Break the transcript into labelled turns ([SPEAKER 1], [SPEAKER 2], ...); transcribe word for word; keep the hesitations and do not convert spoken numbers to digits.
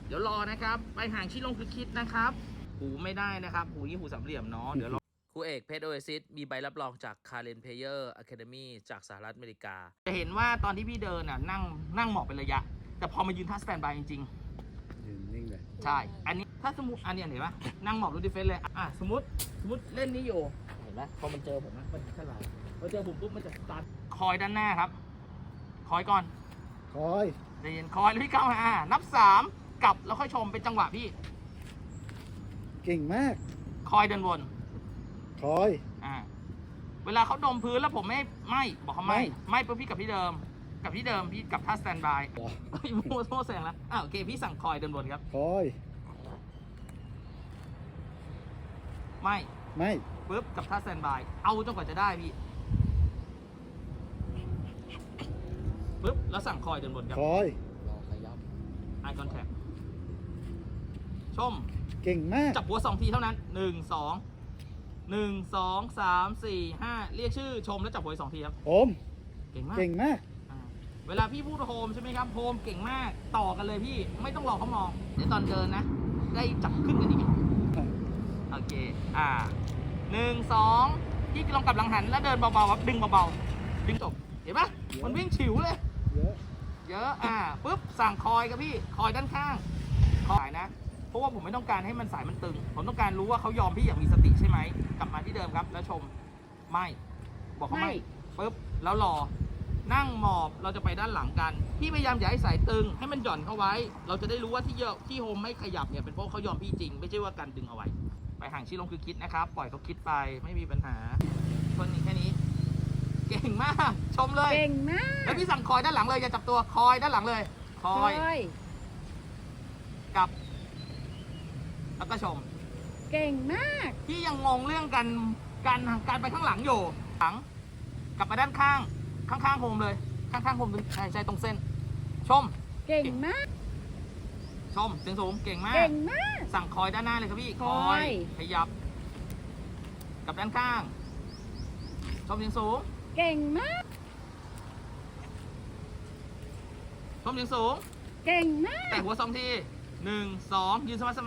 [SPEAKER 1] เดี๋ยวรอนะครับไปห่างชิลงคือคิดนะครับหูไม่ได้นะครับหูยี่หูสามเหลี่ยมเนาะเดี๋ยวรอครูเอกเพชรโอเอซิสมีใบรับรองจาก Karen Player Academy จากสหรัฐอเมริกาจะเห็นว่าตอนที่พี่เดินน่ะนั่งนั่งเหมาะเป็นระยะแต่พอมายืนท่าสแตนบายจริงๆ
[SPEAKER 2] ยืนนิ่งเลย
[SPEAKER 1] ใช่อันนี้ถ้าสมมติอันนี้เห็นปะนั่งหมอบรูดิเฟนเลยอ่ะสมมติสมมติเล่นนี้อยู่เห็นไหมพอมันเจอผมนะมันจะไหลพอเจอผมปุ๊บมันจะสตาร์ทคอยด้านหน้าครับคอยก่อน
[SPEAKER 2] คอย
[SPEAKER 1] ใจเย็นคอยแล้วพี่ก้าวมานับสามกลับแล้วค่อยชมเป็นจังหวะพี่
[SPEAKER 2] เก่งมาก
[SPEAKER 1] คอยเดินวน
[SPEAKER 2] คอย
[SPEAKER 1] อ่าเวลาเขาดมพื้นแล้วผมไม่ไม่บอกเขาไม่ไม่ปุ๊บพี่กับพี่เดิมกับพี่เดิมพี่กับท่าสแตนบายโม่โม่แสงแล้วอ่าโอเคพี่สั่งคอยเดินวนครับ
[SPEAKER 2] คอย
[SPEAKER 1] ไม่
[SPEAKER 2] ไม่
[SPEAKER 1] ปุ๊บกับท่าสแตนบายเอาจนกว่าจะได้พี่ปุ๊บแล้วสั่งคอยเดินวนครับ
[SPEAKER 2] คอย
[SPEAKER 3] รอขยับ
[SPEAKER 1] eye contact ชม
[SPEAKER 2] เก่งมาก
[SPEAKER 1] จับหัวสองทีเท่านั้นหนึ่งสองหนึ่งสองสามสี่ห้าเรียกชื่อชมแล้วจับหัวสองทีครับ
[SPEAKER 2] โฮม
[SPEAKER 1] เก่งมาก
[SPEAKER 2] เก่งมาก
[SPEAKER 1] เวลาพี่พูดโฮมใช่ไหมครับโฮมเก่งมากต่อกันเลยพี่ไม่ต้องรอเขามองเดี๋ยวตอนเดินนะได้จับขึ้นกันอีกโอเคอ่าหนึ่งสองพี่ลองกลับหลังหันแล้วเดินเบาๆครับดึงเบาๆดึงจบเห็นปะมันวิ่งฉิวเลย
[SPEAKER 2] เยอะ
[SPEAKER 1] เยอะอ่าปุ๊บสั่งคอยครับพี่คอยด้านข้างคอยนะเพราะว่าผมไม่ต้องการให้มันสายมันตึงผมต้องการรู้ว่าเขายอมพี่อย่างมีสติใช่ไหมกลับมาที่เดิมครับแล้วชมไม่บอกเขาไม่ปุ๊บแล้วรอนั่งหมอบเราจะไปด้านหลังกันพี่พยายามอย่าให้สายตึงให้มันหย่อนเข้าไว้เราจะได้รู้ว่าที่เยอะที่โฮมไม่ขยับเนี่ยเป็นเพราะเขายอมพี่จริงไม่ใช่ว่าการดึงเอาไว้ไปห่างชี้ลงคือคิดนะครับปล่อยเขาคิดไปไม่มีปัญหาคนนี้แค่นี้เก่งมากชมเลย
[SPEAKER 4] เก่งมาก
[SPEAKER 1] แล้วพี่สั่งคอยด้านหลังเลยอย่าจับตัวคอยด้านหลังเลยคอยกับแล้วก็ชม
[SPEAKER 4] เก่งมาก
[SPEAKER 1] พี่ยังงงเรื่องการการการไปข้างหลังอยู่หลังกลับมาด้านข้างข้างๆโฮมเลยข้างๆโฮมใช่ใช่ตรงเส้นชม
[SPEAKER 4] เก่งมาก
[SPEAKER 1] ชมเสียงสูงเก่งมาก
[SPEAKER 4] เก่งมาก
[SPEAKER 1] สั่งคอยด้านหน้าเลยครับพี่
[SPEAKER 4] คอย
[SPEAKER 1] ขยับกับด้านข้างชมเสียงสูง
[SPEAKER 4] เก่งมาก
[SPEAKER 1] ชมเสียงสูง
[SPEAKER 4] เก่งมาก
[SPEAKER 1] แต่หัวสองทีหนึ่งสองยืนสมาธิ